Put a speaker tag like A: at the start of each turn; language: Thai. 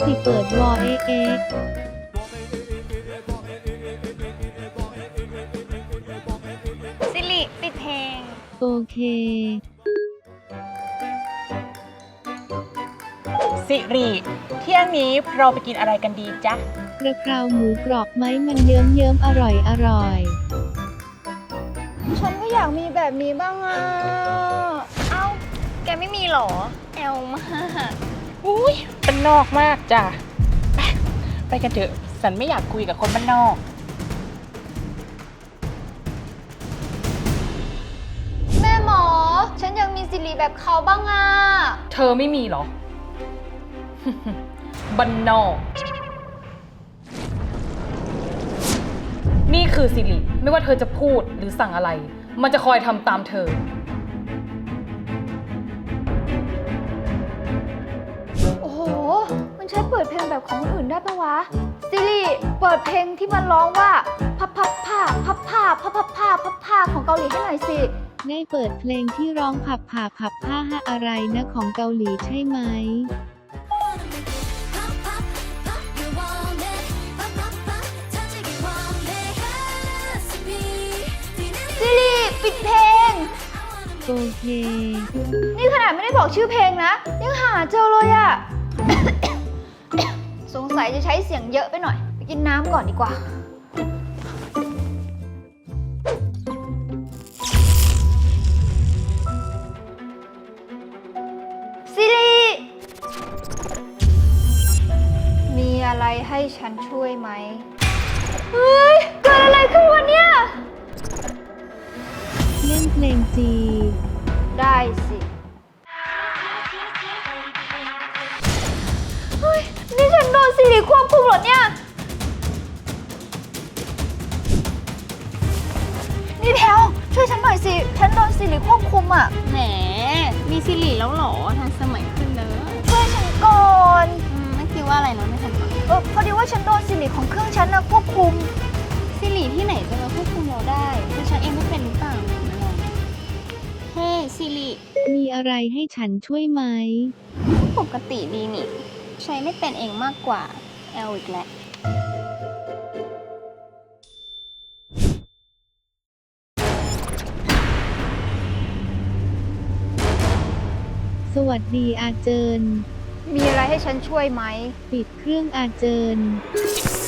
A: สิเปิดวอเอะ
B: สิริปิดเพลง
A: โอเค
C: สิริเที่ยงนี้เราไปกินอะไรกันดีจ๊ะ
A: กระเพราหมูกรอบไหมมันเยิ้มอร่อย
B: ฉันก็อยากมีแบบนี้บ้างอ่ะเอ้าแกไม่มีหรอแอลมาก
C: อุ้ยเป็นนอกมากจ้ะไปกันเถอะฉันไม่อยากคุยกับคนบ้านนอก
B: แม่หมอฉันยังมีสิริแบบเขาบ้างอ่ะ
C: เธอไม่มีหรอ บ้านนอกนี่คือสิริไม่ว่าเธอจะพูดหรือสั่งอะไรมันจะคอยทำตามเธอ
B: โอ้โหมันใช้เปิดเพลงแบบของคนอื่นได้ปะวะสิริเปิดเพลงที่มันร้องว่าพับพับผ้าพับผ้าพับพับผ้าพับผ้าของเกาหลีให้หน่อยสิ
A: ได้เปิดเพลงที่ร้องผับผ้าฮะอะไรนะของเกาหลีใช่ไหม
B: สิริปิดเพลง
A: โอเค
B: นี่ขนาดไม่ได้บอกชื่อเพลงนะยังหาเจอเลยอะ สงสัยจะใช้เสียงเยอะไปหน่อยไปกินน้ำก่อนดีกว่าสิริมีอะไรให้ฉันช่วยไหมเฮ้ยเกิดอะไรขึ้นวะเนี่ย
A: เล่นเพลงจี
B: ได้สิเฮ้ยนี่ฉันโดนสิริควบคุมเหรอเนี่ยนี่แพลวช่วยฉันหน่อยสิฉันโดนสิริควบคุมอ่ะ
D: แหมมีสิริแล้วเหรอทันสมัยขึ้นเลย
B: ช่วยฉันก่อน
D: ไม่คิดว่าอะไรนะไม่ทันฟัง
B: พอดีว่าฉันโดนสิริของเครื่องฉันนะควบคุม
D: สิริที่ไหนจะมาควบคุมเราได้คือฉันเองไม่เป็นหรือเปล่าไม่ลองเฮ้สิริ
A: มีอะไรให้ฉันช่วยไหม
D: ปกติดีนี่ใช้ไม่เป็นเองมากกว่าแอลอีกแล้ว
A: สวัสดีอาเจิน
B: มีอะไรให้ฉันช่วยไหม
A: ปิดเครื่องอาเจิน